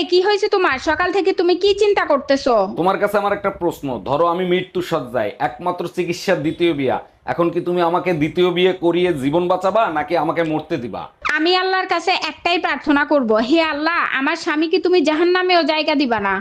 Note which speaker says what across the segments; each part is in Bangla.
Speaker 1: কি হয়েছে তোমার? সকাল থেকে তুমি কি চিন্তা করতেছো?
Speaker 2: তোমার কাছে আমার একটা প্রশ্ন, ধরো আমি মৃত্যু সজ্জায়, একমাত্র চিকিৎসার দ্বিতীয় বিয়া, এখন কি তুমি আমাকে দ্বিতীয় বিয়ে করিয়ে জীবন বাঁচাবা নাকি আমাকে মরতে দিবা?
Speaker 1: আমি আল্লাহর কাছে একটাই প্রার্থনা করব, হে আল্লাহ, আমার স্বামীকে তুমি জাহান্নামেও জায়গা দিবা না।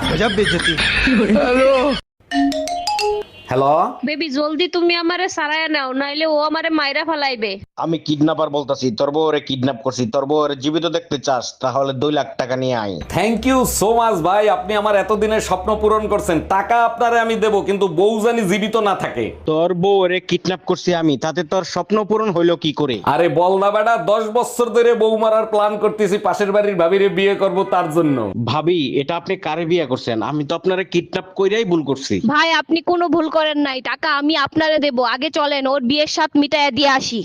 Speaker 2: হ্যালো।
Speaker 3: বেবি জলদি তুমি আমারে সারায় নাও, নাইলে ও আমারে মাইরা ফালাইবে।
Speaker 4: আমি কিডন্যাপার বলতাছি, তোর বউরে কিডন্যাপ করছি। তোর বউরে জীবিত দেখতে চাস তাহলে 2 লাখ টাকা নিয়ে আয়।
Speaker 2: থ্যাংক ইউ সো মাচ ভাই, আপনি আমার এতদিনের স্বপ্ন পূরণ করছেন। টাকা আপনারে আমি দেবো, কিন্তু বউ জানি জীবিত না থাকে।
Speaker 4: তোর বউরে কিডন্যাপ করছি আমি, তাতে তোর স্বপ্ন পূরণ হইলো কি করে?
Speaker 2: আরে বল না বেটা, 10 বছর ধরে বউ মারার প্ল্যান করতেছি, পাশের বাড়ির ভাবিরে বিয়ে করব তার জন্য।
Speaker 4: ভাবি, এটা আপনি কারে বিয়ে করছেন? আমি তো আপনারে কিডন্যাপ কইরাই ভুল করছি।
Speaker 3: ভাই আপনি কোনো ভুল করেন নাই, টাকা আমি আপনারে দেব। আগে চলেন ওর বিয়ের সাথ মিটাইয়া দিয়ে আসি।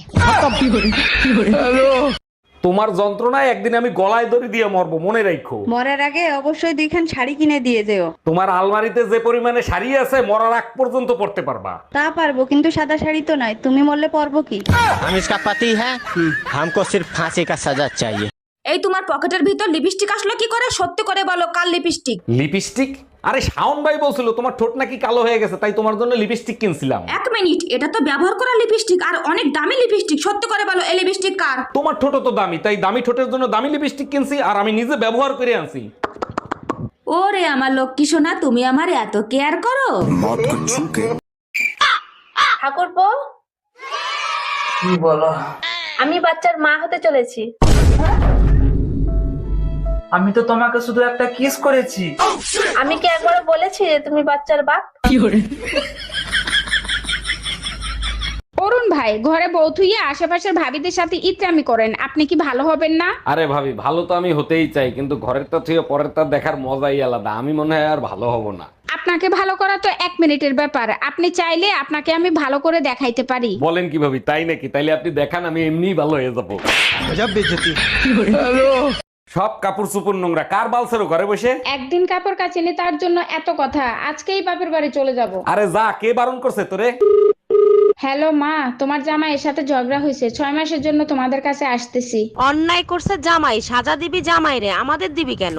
Speaker 2: তোমার যন্ত্রণায় একদিন আমি গলায় দড়ি দিয়ে মরবো, মনে রাখো।
Speaker 5: মরার আগে অবশ্যই 2খান শাড়ি কিনে দিয়ে যেও।
Speaker 2: তোমার আলমারিতে যে পরিমাণে শাড়ি আছে, মরার আগ পর্যন্ত পড়তে পারবা।
Speaker 5: তা পারবো, কিন্তু সাদা শাড়ি তো নয়। তুমি মরলে পরবো কি?
Speaker 6: हम इसका पति है, हमको सिर्फ फांसी का सजा चाहिए।
Speaker 7: এই তোমার পকেটের ভিতর লিপস্টিক আসলো কি করে? সত্যি করে বলো, কাল লিপস্টিক?
Speaker 2: লিপস্টিক? আরে শাওন ভাই বলছিল তোমার ঠোঁট নাকি কালো হয়ে গেছে, তাই তোমার জন্য লিপস্টিক কিনছিলাম।
Speaker 7: 1 মিনিট, এটা তো ব্যবহার করা লিপস্টিক আর অনেক দামি লিপস্টিক। সত্যি করে বলো, এই লিপস্টিক কার?
Speaker 2: তোমার ঠোঁট তো দামি, তাই দামি ঠোঁটের জন্য দামি লিপস্টিক কিনছি, আর আমি নিজে ব্যবহার করে আনছি।
Speaker 7: ওরে আমার লক্ষ্মী সোনা, তুমি আমার এত কেয়ার করো।
Speaker 8: ঠাকুরপো,
Speaker 9: কি বলো?
Speaker 8: আমি বাচ্চার মা হতে চলেছি।
Speaker 9: আমি তো তোমাকে শুধু একটা কিস করেছি।
Speaker 8: আমি কি একবার বলেছি যে তুমি বাচ্চার বাপ?
Speaker 1: অরুণ ভাই, ঘরে বউ থুইয়ে আশেপাশের ভাবিদের সাথে ইত্রামি করেন, আপনি কি ভালো হবেন না?
Speaker 2: আরে ভাবি, ভালো তো আমি হতেই চাই, কিন্তু ঘরের তা থেকে পরের তা দেখার মজাই আলাদা। আমি মনে হয় আর ভালো হব না।
Speaker 1: আপনাকে ভালো করা তো 1 মিনিটের ব্যাপার। আপনি চাইলে আপনাকে আমি ভালো করে দেখাইতে পারি।
Speaker 2: বলেন কি ভাবি, তাই নাকি? তাইলে আপনি দেখান, আমি এমনিই ভালো হয়ে যাবো। সব কাপড় চুপুর নোংরা, কার বালছেরো ঘরে বসে?
Speaker 1: একদিন কাপড় কাচিনি তার জন্য এত কথা, আজকেই বাপের বাড়ি চলে যাব।
Speaker 2: আরে যা, কে বারণ করছে তোরে?
Speaker 1: হ্যালো মা, তোমার জামাইয়ের সাথে ঝগড়া হয়েছে, 6 মাসের জন্য তোমাদের কাছে আসতেছি।
Speaker 3: অন্যায় করছে জামাই, সাজা দিবি জামাই রে, আমাদের দিবি কেন?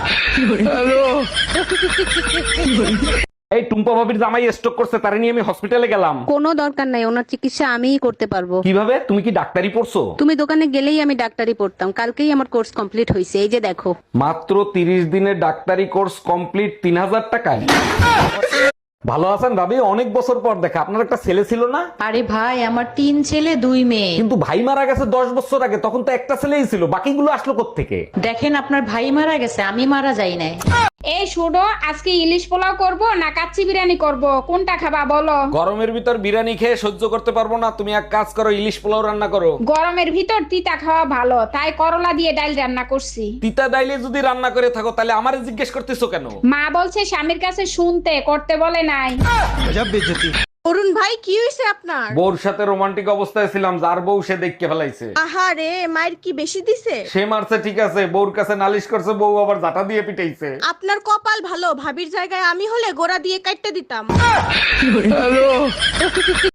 Speaker 2: এই টুম্পা ভাবির জামাই স্ট্রোক করছে, তারে নিয়ে আমি হসপিটালে গেলাম।
Speaker 10: কোনো দরকার নাই, ওনার চিকিৎসা আমিই করতে পারবো।
Speaker 2: কিভাবে? তুমি কি ডাক্তারি পড়ছো?
Speaker 10: তুমি দোকানে গেলেই আমি ডাক্তারি পড়তাম, কালকেই আমার কোর্স কমপ্লিট হয়েছে, এই যে দেখো।
Speaker 2: মাত্র 30 দিনের ডাক্তারি কোর্স কমপ্লিট 3000 টাকায়? ভালো আছেন ভাবি? অনেক বছর পর দেখা। আপনার একটা ছেলে ছিল না?
Speaker 5: আরে ভাই, আমার 3 ছেলে 2 মেয়ে।
Speaker 2: কিন্তু ভাই মারা গেছে 10 বছর আগে, তখন তো একটা ছেলেই ছিল, বাকিগুলো আসলো কোত্থেকে?
Speaker 5: দেখেন, আপনার ভাই মারা গেছে, আমি মারা যাই নাই।
Speaker 1: এই শুনো, আজকে ইলিশ পোলাও করব না কাচ্চি বিরিয়ানি করব, কোনটা খাবা বলো?
Speaker 2: গরমের ভিতর বিরিয়ানি খেয়ে সহ্য করতে পারবো না, তুমি এক কাজ করো, ইলিশ পোলাও রান্না করো।
Speaker 1: গরমের ভিতর তিতা খাওয়া ভালো, তাই করলা দিয়ে ডাল রান্না করছি।
Speaker 2: তিতা ডাইলে যদি রান্না করে থাকো, তাহলে আমারে জিজ্ঞেস করতেছো কেন?
Speaker 1: মা বলছে স্বামীর কাছে শুনতে, করতে বলে নাই।
Speaker 10: অরুণ ভাই, কি হয়েছে আপনার?
Speaker 2: বউর সাথে রোমান্টিক অবস্থায় ছিলাম, যার বউ সে দেখকে ফেলাইছে।
Speaker 10: আহারে, মায়ের কি বেশি দিছে?
Speaker 2: সে মারছে ঠিক আছে, বউর কাছে নালিশ করছে, বউ আবার জাটা দিয়ে পিটাইছে।
Speaker 10: আপনার কপাল ভালো, ভাবির জায়গায় আমি হলে গোড়া দিয়ে কাটতে দিতাম।